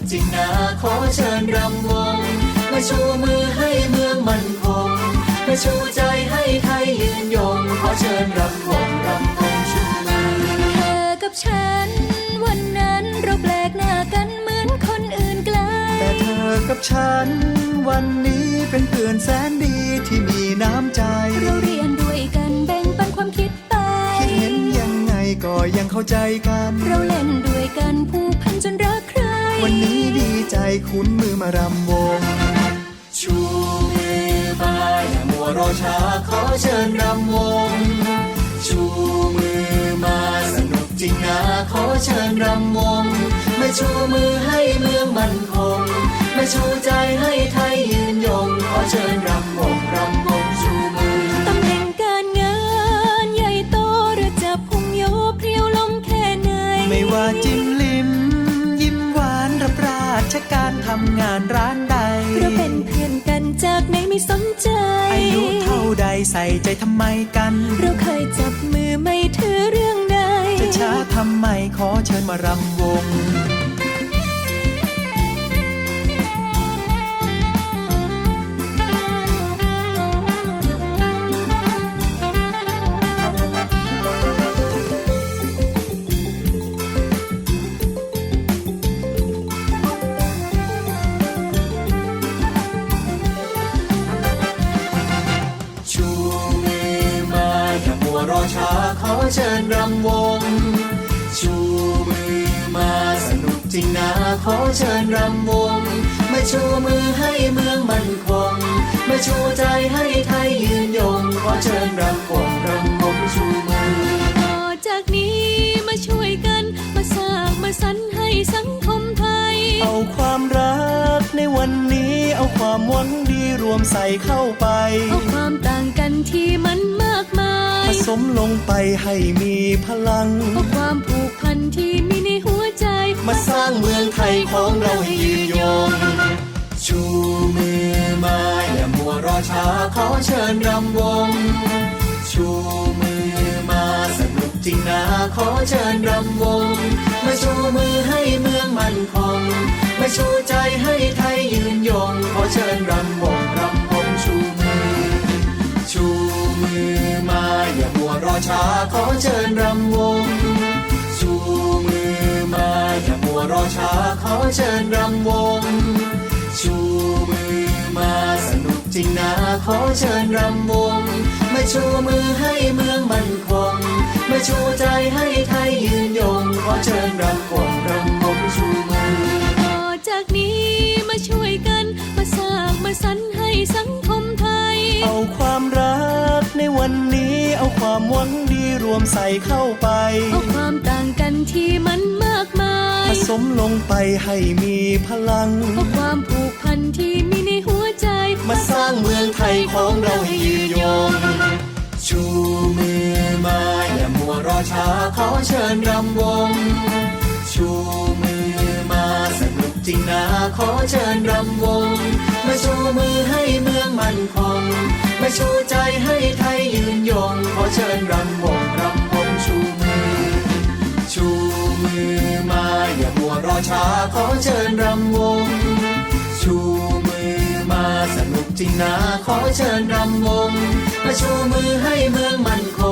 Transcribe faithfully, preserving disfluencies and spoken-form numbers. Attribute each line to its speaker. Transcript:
Speaker 1: จริงนะขอเชิญรำวงมาชูมือให้เมืองมั่นคงมาชูใจให้ไทยยืนยงขอเชิญรำวงรำวงชูมือ
Speaker 2: เธอกับฉันวันนั้นเราแปลกหน้ากันเหมือนคนอื่นไกล
Speaker 3: แต่เธอกับฉันวันนี้เป็นเพื่อนแสนดีที่มีน้ำใจ
Speaker 2: เราเรียนด้วยกันแบ่งปันความคิดไป
Speaker 3: คิดเห็นยังไงก็ยังเข้าใจกัน
Speaker 2: เราเล่นด้วยกันผูกพันจนรักใคร
Speaker 3: วันนี้ดีใจคุ้นมือมารำวง
Speaker 1: ชูมือมาอย่ามัวรอช้าขอเชิญรำวงชูมือมาสนุกจริงนะขอเชิญรำวงมาชูมือให้เมืองมั่นคงมาชูใจให้ไทยยืนยงขอเชิญรำวงรำวงชูมือ
Speaker 2: ตำแหน่งการงานใหญ่โตหรือจะพุ่งโยเพรียวลมแค่ไหน
Speaker 3: ไม่ว่าจิ้มลิ้มยิ้มหวานรับราชการทำงานร้านใด
Speaker 2: เราเป็นเพื่อนกันจากไหนไม่สนใจ
Speaker 3: อายุเท่าใดใส่ใจทำไมกัน
Speaker 2: เราเคยจับมือไม่ถือเรื่องใด
Speaker 3: จะช้าทำไมขอเชิญมารำวง
Speaker 1: รอช้าขอเชิญรำวงชูมือมาสนุกจริงนะขอเชิญรำวงมาชูมือให้เมืองมั่นคงมาชูใจให้ไทยยืนยงขอเชิญรำวงรำวงชูมือ
Speaker 2: ต่อจากนี้มาช่วยกันมาสร้างมาสรรค์ให้สังคมไทย
Speaker 3: เอาความรักในวันนี้เอาความหวังดีรวมใส่เข้าไป
Speaker 2: เอาความต่างกันที่มันมากมาย
Speaker 3: ผสมลงไปให้มีพลัง
Speaker 2: เอาความผูกพันที่มีในหัวใจ
Speaker 1: มาสร้างเมืองไทยของเราให้ยืนยงชูมือมาอย่ามัวรอช้าขอเชิญรำวงชูมือมาสนุกจริงนะขอเชิญรำวงมาชูมือให้เมืองมั่นคงมาชูใจให้ไทยยืนยงขอเชิญรำวงรำวงชูมือชูมือมาอย่ามัวรอช้าขอเชิญรำวงชูมือมาอย่ามัวรอช้าขอเชิญรำวงชูมือมาสนุกจริงนะขอเชิญรำวงมาชูมือให้เมืองมั่นคงมาชูใจให้ไทยยืนยงขอเชิญรำวงรำวงชูมือ
Speaker 2: ต่อจากนี้มาช่วยกันมาสร้างมาสรรค์ให้สังคมไทย
Speaker 3: เอาความรักในวันนี้เอาความหวังดีรวมใส่เข้าไป
Speaker 2: เอาความต่างกันที่มันมากมาย
Speaker 3: ผสมลงไปให้มีพลัง
Speaker 2: เอาความผูกพันที่มีในหัวใจ
Speaker 1: มาสร้างเมืองไทยของเราให้ยืนยงชูมือมาอย่ามัวรอช้าขอเชิญรำวงชูมือมาสนุกจริงนะขอเชิญรำวงมาชูมือให้เมืองมั่นคงมาชูใจให้ไทยยืนยงขอเชิญรำวงรำวงชูมือชูมือมาอย่ามัวรอช้าขอเชิญรำวงชูมือมาสนุกจริงนะขอเชิญรำวงมาชูมือให้เมืองมั่นค